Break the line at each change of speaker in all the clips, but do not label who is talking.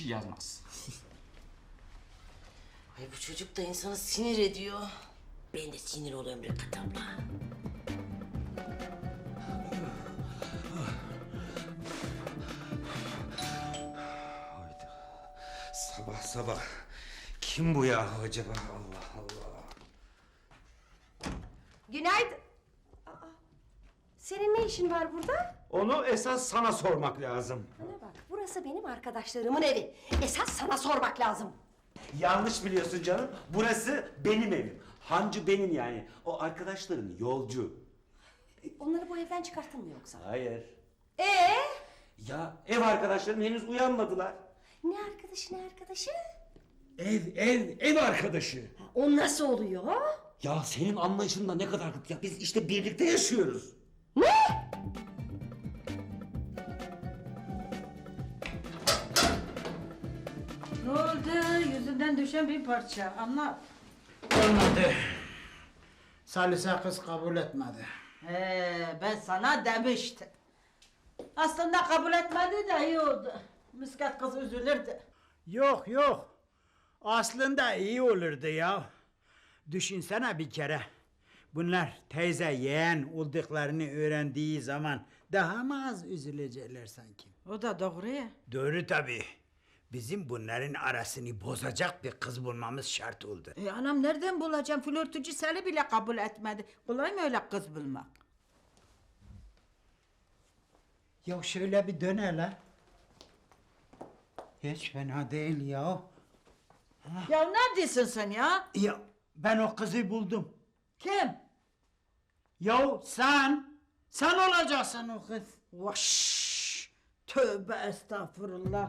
şey yazmaz.
Ay bu çocuk da insanı sinir ediyor. Ben de sinir oluyorum Rekat abla.
Hayda. Sabah sabah. Kim bu ya acaba? Allah Allah.
Günaydın. Aa, senin ne işin var burada?
Onu esas sana sormak lazım.
Bana bak, burası benim arkadaşlarımın evi. Esas sana sormak lazım.
Yanlış biliyorsun canım. Burası benim evim. Hancı benim yani. O arkadaşların yolcu.
Onları bu evden çıkarttın mı yoksa?
Hayır.
Ee?
Ya ev arkadaşlarım henüz uyanmadılar.
Ne arkadaşı, ne arkadaşı?
Ev arkadaşı.
Ha, o nasıl oluyor?
Ya senin anlayışında ne kadar... Ya biz işte birlikte yaşıyoruz.
Ne?
Ne oldu? Yüzünden düşen bir parça. Anlat.
Olmadı. Salise kız kabul etmedi.
Ben sana demiştim. Aslında kabul etmedi de iyi oldu. Misket kız üzülürdü.
Yok yok. Aslında iyi olurdu ya. Düşünsene bir kere. Bunlar teyze yeğen olduklarını öğrendiği zaman daha mı az üzülecekler sanki?
O da doğru ya.
Doğru tabii. Bizim bunların arasını bozacak bir kız bulmamız şart oldu.
Anam nereden bulacağım? Flörtücü seni bile kabul etmedi. Kolay mı öyle kız bulmak?
Ya şöyle bir dön hele. Hiç fena değil ya.
Ya ne diyorsun sen ya?
Ya ben o kızı buldum.
Kim?
Ya sen olacaksın o kız.
Vaş! Tövbe estağfurullah.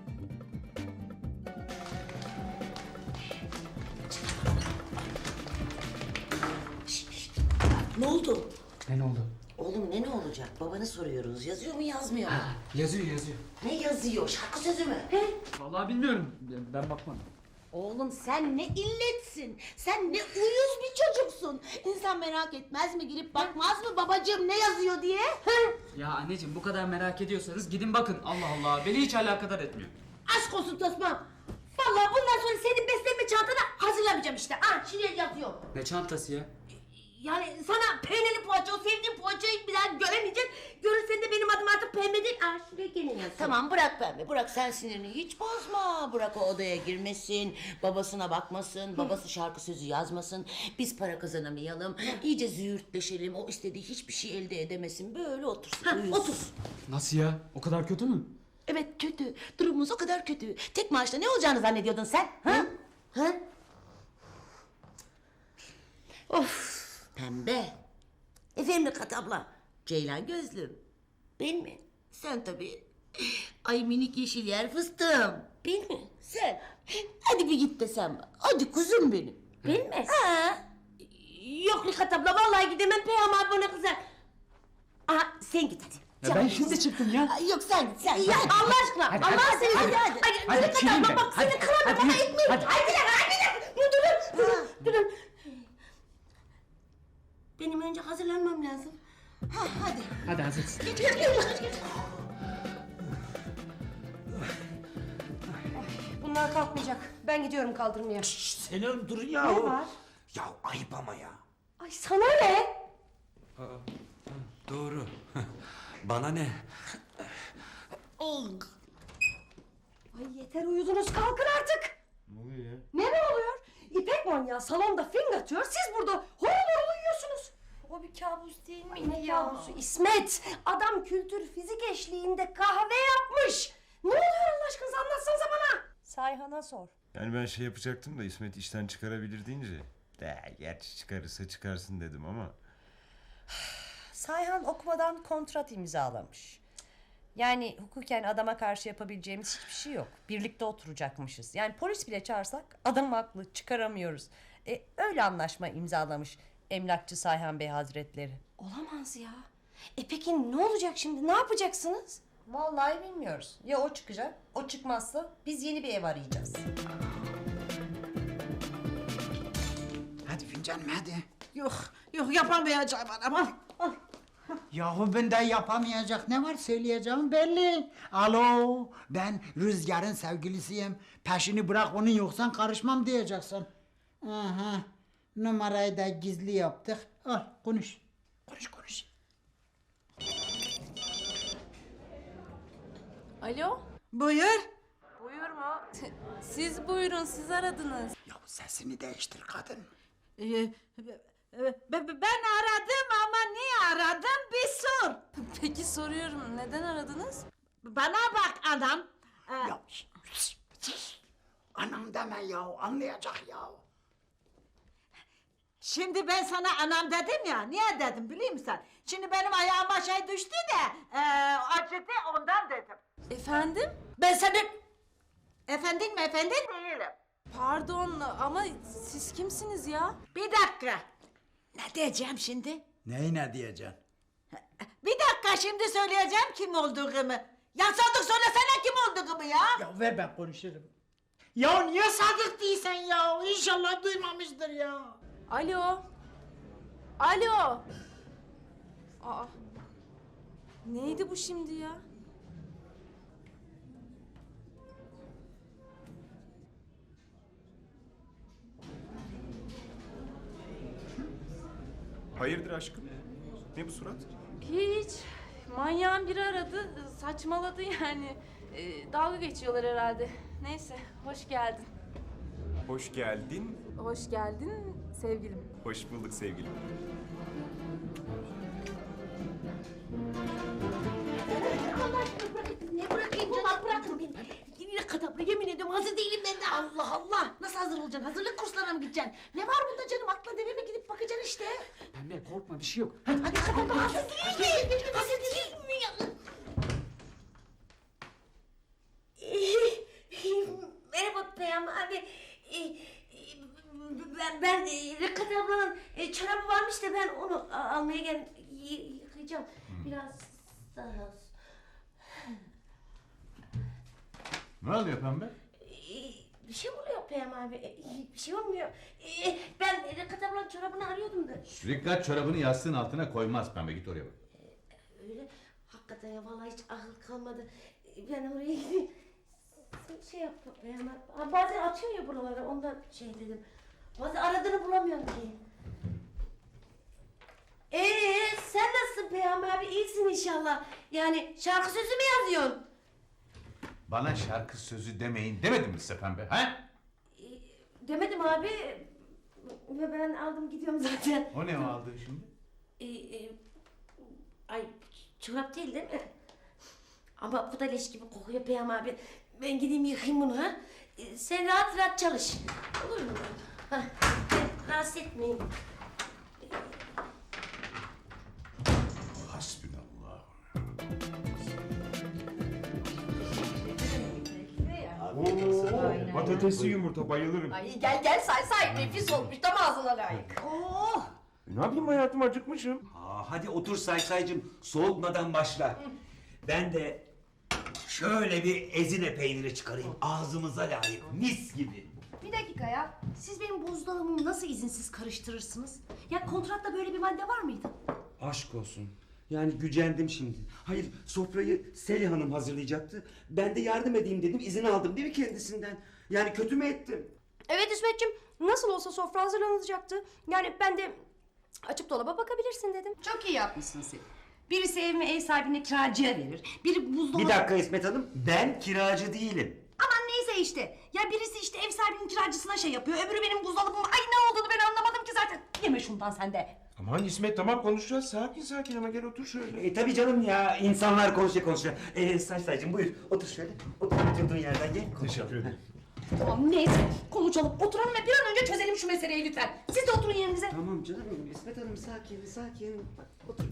Ne oldu?
Ne oldu?
Oğlum ne olacak? Babanı soruyoruz. Yazıyor mu yazmıyor mu?
Yazıyor.
Ne yazıyor? Şarkı sözü mü?
Vallahi bilmiyorum. Ben bakmadım.
Oğlum sen ne illetsin, sen ne uyuz bir çocuksun. İnsan merak etmez mi, girip bakmaz mı babacığım ne yazıyor diye?
Ya anneciğim bu kadar merak ediyorsanız gidin bakın. Allah Allah beni hiç alakadar etmiyor.
Aşk olsun Tosma. Vallahi bundan sonra senin beslenme çantanı hazırlamayacağım işte. Ah şimdi yazıyor.
Ne çantası ya?
Yani sana peynirli poğaça, o sevdiğin poğaçayı bir daha göremeyeceksin. Görürsen de benim adım artık pembe değil. Ah şuraya gene yazıyor.
Tamam bırak pembe. Bırak sen sinirini hiç bozma. Bırak o odaya girmesin. Babasına bakmasın. Babası şarkı sözü yazmasın. Biz para kazanamayalım. İyice züğürtleşelim. O istediği hiçbir şey elde edemesin. Böyle otursun.
Ha,
uyusun.
otur.
Nasıl ya? O kadar kötü mü?
Evet kötü. Durumumuz o kadar kötü. Tek maaşla ne olacağını zannediyordun sen? Ha? Ha? Of. Pembe. Efendim Kat abla. Ceylan gözlüm. Ben mi? Sen tabii. Ay minik yeşil yer fıstığım. Ben mi? Sen. Hadi bir git desem. Hadi kuzum benim. Ben mi? Ha.
Yok Rikat abla vallahi gidemem Peyam abi bana kızar. Aha sen git hadi.
Ya ben şimdi çıktım ya.
Ay, yok sen git sen.
Ya Allah aşkına
Hadi,
Allah
hadi,
seni
hadi,
hadi.
hadi,
Rikat
çekeyim
abla
ben.
bak
Hadi,
seni kıramam
hadi,
ama
hadi.
ekmeği. Hadi durun. Benim önce hazırlanmam lazım.
Ha, hadi.
Hadi hazırsın.
Geç.
Bunlar kalkmayacak. Ben gidiyorum kaldırmaya.
Senin dur ya.
Ne var?
Ya ayıp ama ya.
Ay sana ne?
Doğru. Bana ne?
Ay yeter uyudunuz kalkın artık.
Ne oluyor ya?
Ne oluyor? İpek manyağı salonda fing atıyor. Siz burada horul horul uyuyorsunuz.
O bir kabus değil mi
Ne kabusu İsmet? Adam kültür fizik eşliğinde kahve yapmış. Ne oluyor Allah aşkınıza anlatsanıza bana.
Sayhan'a sor.
Yani ben şey yapacaktım da İsmet işten çıkarabilir deyince. De gerçi çıkarırsa çıkarsın dedim ama.
Sayhan okumadan kontrat imzalamış. Yani hukuken adama karşı yapabileceğimiz hiçbir şey yok. Birlikte oturacakmışız. Yani polis bile çağırsak adam haklı çıkaramıyoruz. Öyle anlaşma imzalamış emlakçı Sayhan Bey Hazretleri.
Olamaz ya. Peki ne olacak şimdi? Ne yapacaksınız?
Vallahi bilmiyoruz. Ya o çıkacak, o çıkmazsa biz yeni bir ev arayacağız.
Hadi fincanım hadi.
Yok yapamayacağım anam al.
Yahu bende yapamayacak ne var söyleyeceğim belli. Alo, ben Rüzgar'ın sevgilisiyim. Peşini bırak onun yoksan karışmam diyeceksin. Aha, numarayı da gizli yaptık. Al konuş. Konuş.
Alo?
Buyur.
Buyur mu? Siz buyurun, siz aradınız.
Ya sesini değiştir kadın.
Ben aradım ama niye aradım bir sor.
Peki soruyorum, neden aradınız?
Bana bak adam.
Ya anam deme ya, anlayacak ya.
Şimdi ben sana anam dedim ya, niye dedim biliyor musun? Şimdi benim ayağıma şey düştü de acıdı ondan dedim.
Efendim?
Ben senin... Efendin mi efendin değilim.
Pardon ama siz kimsiniz ya?
Bir dakika. Ne diyeceğim şimdi?
Neyi ne diyeceksin?
Bir dakika şimdi söyleyeceğim kim olduğumu. Ya Sadık söylesene kim olduğumu ya.
Ya ver ben konuşurum. Ya niye Sadık değilsen ya? İnşallah duymamıştır ya.
Alo? Alo? Aa, neydi bu şimdi ya?
Hayırdır aşkım? Ne bu surat?
Hiç. Manyağın biri aradı, saçmaladı yani. Dalga geçiyorlar herhalde. Neyse, hoş geldin.
Hoş geldin.
Hoş geldin sevgilim.
Hoş bulduk sevgilim.
Allah aşkına bırakın. Ne bırakayım canım? Bırakın beni. Yine kadabra yemin ediyorum hazır değilim ben de. Allah Allah. Nasıl hazır olacaksın? Hazırlık kurslarına mı gideceksin? Ne var bunda canım? Akla deve mi gidip bakacaksın işte?
Pembe korkma bir şey yok.
Hadi kadabra hazır değil mi? Hazır değil mi ya? Merhaba Peyami abi. Ben Rıkat ablanın çorabı varmış da ben onu almaya yıkayacağım. Biraz daha.
Ne oluyor pembe?
Bir şey oluyor Peyami abi. Bir şey olmuyor. Ben Rıkat ablanın çorabını arıyordum da.
Rikkat çorabını yastığın altına koymaz pembe, git oraya bak.
Öyle. Hakikaten ya vallahi hiç akıl kalmadı. Ben oraya gideyim. Sen şey yap Peyami abi. Ha, bazen atıyor ya buralara ondan şey dedim. Bazen aradığını bulamıyorum ki. Sen nasılsın Peyami abi? İyisin inşallah. Yani şarkı sözü mü yazıyorsun?
Bana şarkı sözü demeyin demedim mi size pembe, ha?
Demedim abi. Ve ben aldım gidiyorum zaten.
O ne o aldığın şimdi?
Ay çorap değil mi? Ama bu da leş gibi kokuyor Peyami abi. Ben gideyim yıkayayım bunu ha. Sen rahat rahat çalış. Olur mu? Ha, rahatsız etmeyin.
Hasbinallah.
Patatesli yumurta bayılırım.
Ay gel say nefis olmuş tam ağzına layık.
Ne yapayım hayatım, acıkmışım.
Hadi otur Saysaycığım, soğutmadan başla. Ben de şöyle bir ezine peyniri çıkarayım, ağzımıza layık, mis gibi.
Bir dakika ya. Siz benim buzdolabımı nasıl izinsiz karıştırırsınız? Ya kontratta böyle bir madde var mıydı?
Aşk olsun. Yani gücendim şimdi. Hayır, sofrayı Selin Hanım hazırlayacaktı. Ben de yardım edeyim dedim, izin aldım değil mi kendisinden? Yani kötü mü ettim?
Evet İsmetciğim. Nasıl olsa sofra hazırlanacaktı. Yani ben de açıp dolaba bakabilirsin dedim.
Çok iyi yapmışsın sen. Birisi evimi ev sahibine kiracıya verir. Biri buzdolabı...
Bir dakika İsmet Hanım, ben kiracı değilim.
Aman neyse işte. Ya birisi işte ev sahibinin kiracısına şey yapıyor. Öbürü benim buzdolabım. Ay ne olduğunu ben anlamadım ki zaten. Yeme şundan sen de.
Aman İsmet, tamam konuşacağız. Sakin ama gel otur şöyle.
Tabii canım ya, insanlar konuşuyor. Saysaycığım buyur, otur şöyle. Oturduğun yerden gel.
Teşekkür ederim.
Tamam neyse konuşalım. Oturalım ve bir an önce çözelim şu meseleyi lütfen. Siz de oturun yerinize.
Tamam canım benim, İsmet Hanım sakin. Bak, otur.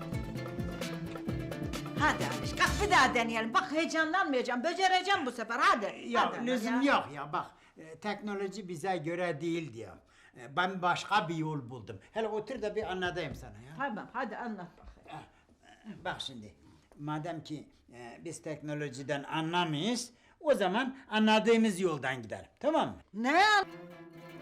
Hadi Aliş kalk bir daha deneyelim. Bak heyecanlanmayacağım. Becereceğim bu sefer hadi.
Ya
Hadi
lüzum
ya.
yok ya bak. Teknoloji bize göre değil diyor. Ben başka bir yol buldum. Hele otur da bir anlatayım sana ya.
Tamam hadi anlat bakayım.
Bak şimdi, madem ki biz teknolojiden anlamayız, o zaman anladığımız yoldan gidelim, tamam mı?
Ne?